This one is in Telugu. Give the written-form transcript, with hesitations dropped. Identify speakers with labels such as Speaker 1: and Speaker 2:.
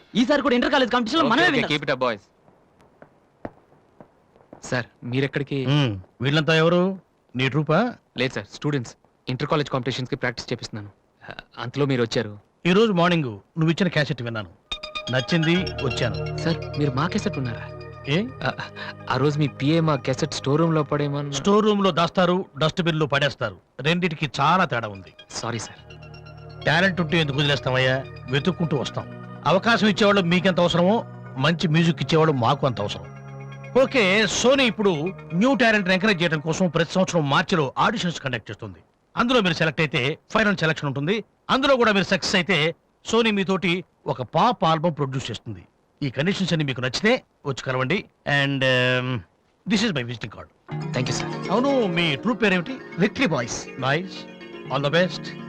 Speaker 1: ఈసారి కూడా ఇంటర్ కాలేజ్ కాంపిటీషన్ లో మనమే
Speaker 2: keep it up boys. Sir మీరెక్కడికి?
Speaker 3: వీళ్ళంతా ఎవరు? నీ ట్రూపా?
Speaker 2: లేదు సార్, స్టూడెంట్స్. ఇంటర్ కాలేజ్ కాంపిటీషన్స్ కి ప్రాక్టీస్ చేపిస్తున్నాను. అంతలో మీరు వచ్చారు.
Speaker 3: ఈ రోజు మార్నింగ్ నువ్వు ఇచ్చిన క్యాసెట్ విన్నాను, నచ్చింది, వచ్చాను.
Speaker 2: సార్ మీరు మా క్యాసెట్ ఉన్నారా?
Speaker 3: ఏ
Speaker 2: ఆ రోజు మీ పిఏ మా క్యాసెట్ స్టోర్ రూమ్ లో పడేమని.
Speaker 3: స్టోర్ రూమ్ లో దాస్తారు, డస్ట్బిన్ లో పడేస్తారు. రెండిటికి చాలా తేడా ఉంది.
Speaker 2: Sorry sir.
Speaker 3: టాలెంట్ ఉంటే ఎందుకు వదిలేస్తామయ్యా? వెతుక్కుంటూ వస్తాం. అవకాశం ఇచ్చేవాళ్ళు మీకెంత అవసరమో మంచి మ్యూజిక్ ఇచ్చేవాళ్ళు మాకు అంత అవసరం. ఓకే, సోనీ ఇప్పుడు న్యూ టాలెంట్ ఎంకరేజ్ చేయడం కోసం ప్రతి సంవత్సరం మార్చిలో ఆడిషన్స్ కండక్ట్ చేస్తుంది. అందులో మీరు సెలెక్ట్ అయితే ఫైనల్ సెలక్షన్ ఉంటుంది. అందులో కూడా మీరు సక్సెస్ అయితే సోనీ మీతోటి ఒక పాప్ ఆల్బమ్ ప్రొడ్యూస్ చేస్తుంది. ఈ కండిషన్స్ అన్ని మీకు నచ్చితే వచ్చి కలవండి. And this is my visiting card.
Speaker 2: Thank you sir.
Speaker 3: అవును, మీ ట్రూప్ పేరేమిటి?
Speaker 1: Victory boys.
Speaker 3: Nice, all the best.